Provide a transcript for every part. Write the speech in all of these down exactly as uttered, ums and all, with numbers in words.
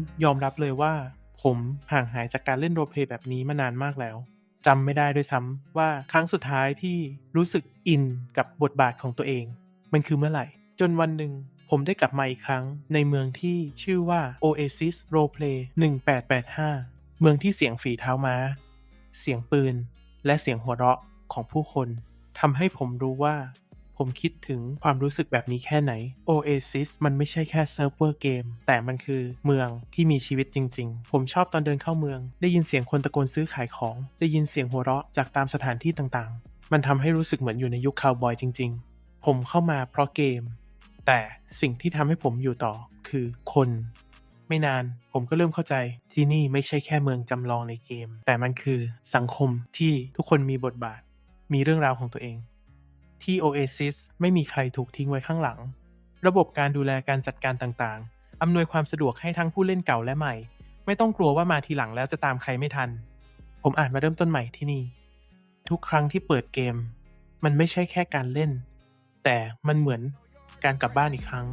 ยอมรับเลยว่าผมห่างหายจากการเล่นโรลเพลย์แบบนี้มานานมากแล้วจำไม่ได้ด้วยซ้ำว่าครั้งสุดท้ายที่รู้สึกอินกับบทบาทของตัวเองมันคือเมื่อไหร่จนวันหนึ่งผมได้กลับมาอีกครั้งในเมืองที่ชื่อว่า Oasis Roleplay หนึ่งแปดแปดห้าเมืองที่เสียงฝีเท้าม้าเสียงปืนและเสียงหัวเราะของผู้คนทำให้ผมรู้ว่าผมคิดถึงความรู้สึกแบบนี้แค่ไหน Oasis มันไม่ใช่แค่เซิร์ฟเวอร์เกมแต่มันคือเมืองที่มีชีวิตจริงๆผมชอบตอนเดินเข้าเมืองได้ยินเสียงคนตะโกนซื้อขายของได้ยินเสียงหัวเราะจากตามสถานที่ต่างๆมันทำให้รู้สึกเหมือนอยู่ในยุคคาวบอยจริงๆผมเข้ามาเพราะเกมแต่สิ่งที่ทำให้ผมอยู่ต่อคือคนไม่นานผมก็เริ่มเข้าใจที่นี่ไม่ใช่แค่เมืองจำลองในเกมแต่มันคือสังคมที่ทุกคนมีบทบาทมีเรื่องราวของตัวเองที่ Oasis ไม่มีใครถูกทิ้งไว้ข้างหลังระบบการดูแลการจัดการต่างๆอำนวยความสะดวกให้ทั้งผู้เล่นเก่าและใหม่ไม่ต้องกลัวว่ามาทีหลังแล้วจะตามใครไม่ทันผมอาจมาเริ่มต้นใหม่ที่นี่ทุกครั้งที่เปิดเกมมันไม่ใช่แค่การเล่นแต่มันเหมือนการกลับบ้านอีกครั้ง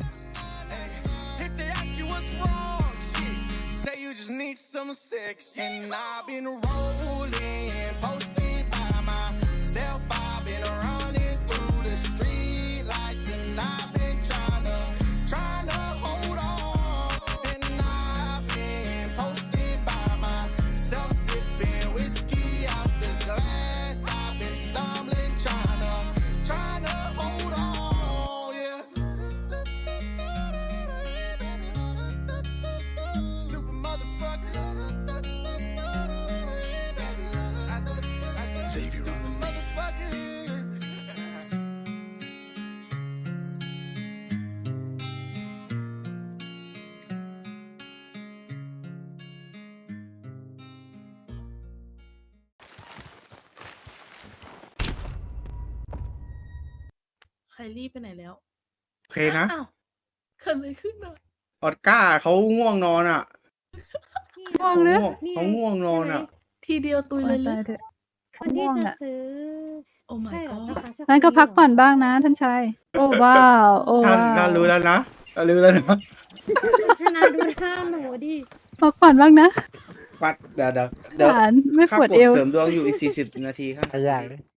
Need some sex and I've been rolling posted by myself I've been running through the street lights and I've been trying to trying to hold on and I've been posted by myself sipping whiskey out the glass I've been stumbling trying to trying to hold on yeah stupid motherfucker Savior on the motherfucker ไคลี่ไปไหนแล้วโอเคนะอ้าวเกิดอะไรขึ้นอ่ะออสการ์เขาง่วงนอนอ่ะง่วงเขานะง่วงเขาง่วงนอนอ่ะทีเดียวตุยเลยหรือตายเถอะคนที่ง่วงจะอะซื้อโอ้ my ใช่เหรอ god นะคะใช่งั้นก็คพักผ่อนเหรบ้างนะท่านชาย โอ้ว้าวโอ้ท่านว้าท่านวรู้แล้วนะท่านรู้แล้วนะธนาดูท่าหนูดิพักผ่อนบ้างนะปัดเดี๋ยวเดี๋ยวเดี๋ยวหลานไม่ค่าปวดกดเอวเสริมดวงอยู่อีกสี่สิบนาทีครับขยากเลย